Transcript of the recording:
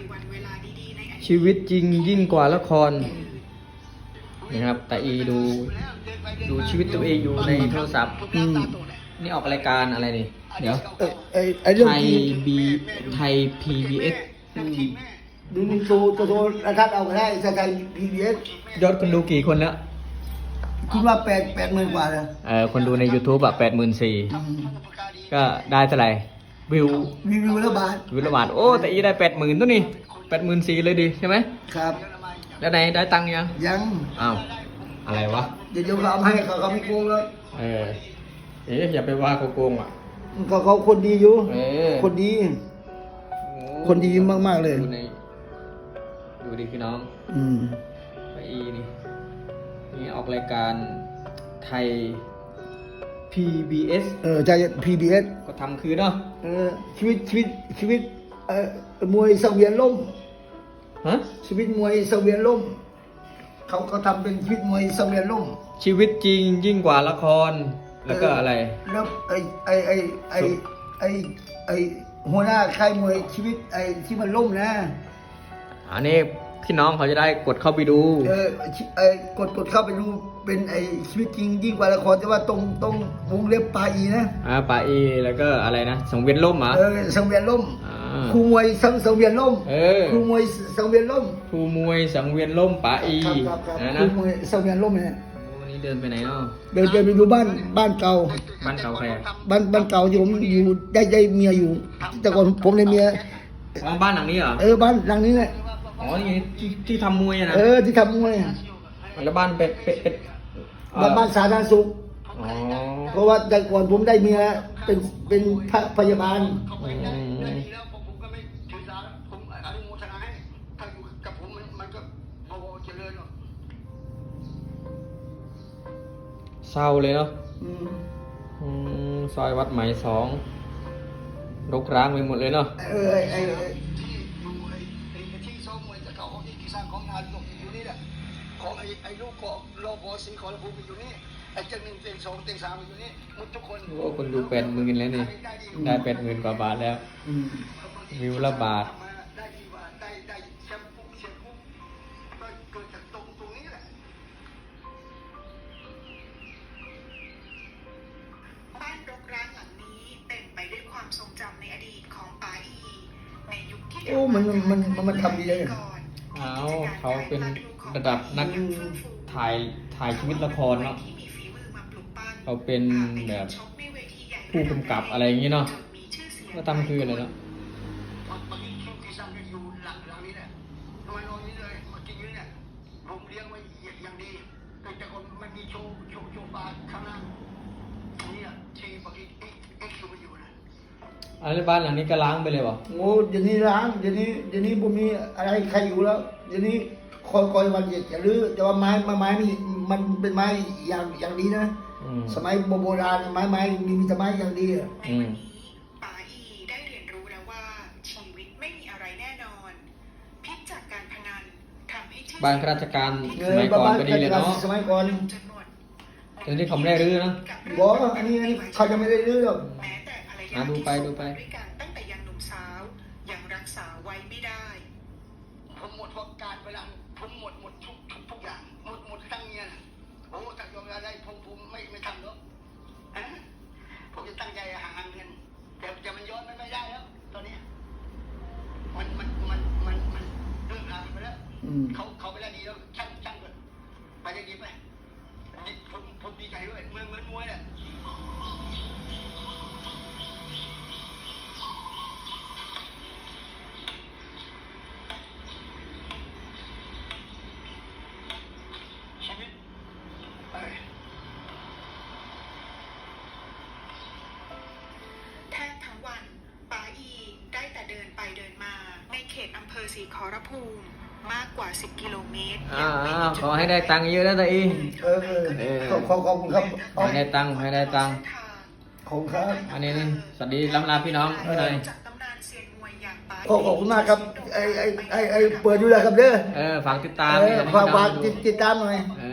ชีวิตจริงยิ่งกว่าละครนะครับแต่อีดูชีวิตตัวเองอยู่ในโทรศัพท์นี่ออกรายการอะไรนี่เดี๋ยวไทยPBS ดูโทรทัศน์เอาก็ได้ไทย PBS ยอดคนดูกี่คนแล้วคิดว่า80,000 กว่าเลยคนดูใน YouTube แบบ84,000ก็ได้เท่าไหร่วิววิวละบาทวิวละบาทโอ้แต่อีได้80,000ตัวนี่84,000เลยดิใช่ไหมครับแล้วไหนได้ตังค์ยังยังอ้าวอะไรวะเดี๋ยวเขาเอาให้เขาไม่โกงแล้วอย่าไปว่าเขาโกงอ่ะเขาคนดีอยู่ คนดีโอ้คนดีมากๆเลยดูดิพี่น้องอืมอีนี่ออกรายการไทย PBS ใจ PBS ก็ทำคือเนาะชีวิตมวยสังเวียนล่มฮะชีวิตมวยสังเวียนล่มเขาทำเป็นชีวิตมวยสังเวียนล่มชีวิตจริงยิ่งกว่าละครแล้วก็อะไรแล้วไอหัวหน้าค่ายมวยชีวิตที่มันล่มนะอันนี้พี่น้องเขาจะได้กดเข้าไปดูกดเข้าไปดูเป็นชีวิตจริงยิ่งกว่าละครแต่ว่าตรงวงเล็บปลาอีนะป่าอีแล้วก็อะไรนะสังเวียนล่มเหรอสังเวียนล่มาครูมวยสังเวียนล่ม ครูมวยสังเวียนล่มครูมวยสังเวียนล่มป่าอีครับนะครูมวยสังเวียนล่มเนี่ยวันนี้เดินไปไหนเนาะเดินไปดูบ้านเก่าบ้านเก่าใครอะบ้านเก่าที่ผมอยู่ได้เมียอยู่ แต่ก่อนผมได้เมียอ๋อบ้านหลังนี้เหรอบ้านหลังนี้แหละอ๋อนี่ที่ทำมวยอะนะที่ทำมวยแล้วบ้านเป็นบ้านสาธารณสุขอ๋อเพราะว่าแต่ก่อนผมได้เมียเป็นพยาบาลเศร้าเลยเนาะซอยวัดไหม2รกร้างไปหมดเลยเนาะที่ซ้อมมวยจะเก่าของที่สร้างของงานอยู่นี่แหละของลูกของโลโบสีขอระพูอยู่นี่เจ้า1 เต็ง 2 เต็ง 3อยู่นี่หมดทุกคนโอ้คนดู80,000แล้วนี่ได้80,000 กว่าบาทแล้ววิวละบาทได้ดีว่าได้แชมป์ปุ๊บเชียร์ปุ๊บก็เกิดจากตรงนี้แหละบ้านรกร้างหลังนี้เต็มไปด้วยความทรงจำในอดีตของป๋าอีในยุคที่มันทำดีเลยเขาเป็นระดับนักถ่ายชีวิตละครเนาะเขาเป็นแบบผู้กำกับอะไรอย่างนี้เนาะก็ทำคืออะไรเนาะอันนี้บ้านหลังนี้ก็ล้างไปเลยป่ะโอ้เดี๋ยวนี้ล้างเดี๋ยวนี้ผมมีอะไรใครอยู่แล้วเดี๋ยวนี้คอยวันจะรื้อแต่ว่าไม้นี่มันเป็นไม้อย่างดีนะสมัยโบราณไม้มีแต่ไม้อย่างดีอ่ะป๋าอีได้เรียนรู้แล้วว่าชีวิตไม่มีอะไรแน่นอนพิษจากการพนันทำให้บ้านข้าราชการสมัยก่อนก็ดีเลยเนาะสมัยก่อนแต่นี่เขาไม่ได้รื้อนะบอกอันนี้เขาจะไม่ได้รื้อหรอกแม้แต่ภรรยาดูไปด้วยกันตั้งแต่ยังหนุ่มสาวยังรักษาไว้ไม่ได้ผมหมดเพราะการเวลาผมหมดทุกอย่างหมดตั้งเงี้ยโอ้ถ้ายอมอะไรผมไม่ทำหรอกผมจะตั้งใจหาเงินแต่มันย้อนไม่ได้แล้วตอนนี้มันเลิกราไปแล้วเขาไปแล้วดีแล้วช่างก่อนไปจะดีไปผมดีใจด้วยเหมือนมวยแหละแทบทั้งวันป๋าอีได้แต่เดินไปเดินมาในเขตอำเภอศรีขอรภูมิมากกว่า10 กิโลเมตรขอให้ได้ตังค์เยอะนะตาอีขอบคุณครับให้ได้ตังค์ขอบคุณครับอันนี้นี่สวัสดีล้ำลาพี่น้องหน่อยขอบคุณมากครับไอเปิดอยู่แล้วครับเด้อฝากติดตามฝากติดตามหน่อย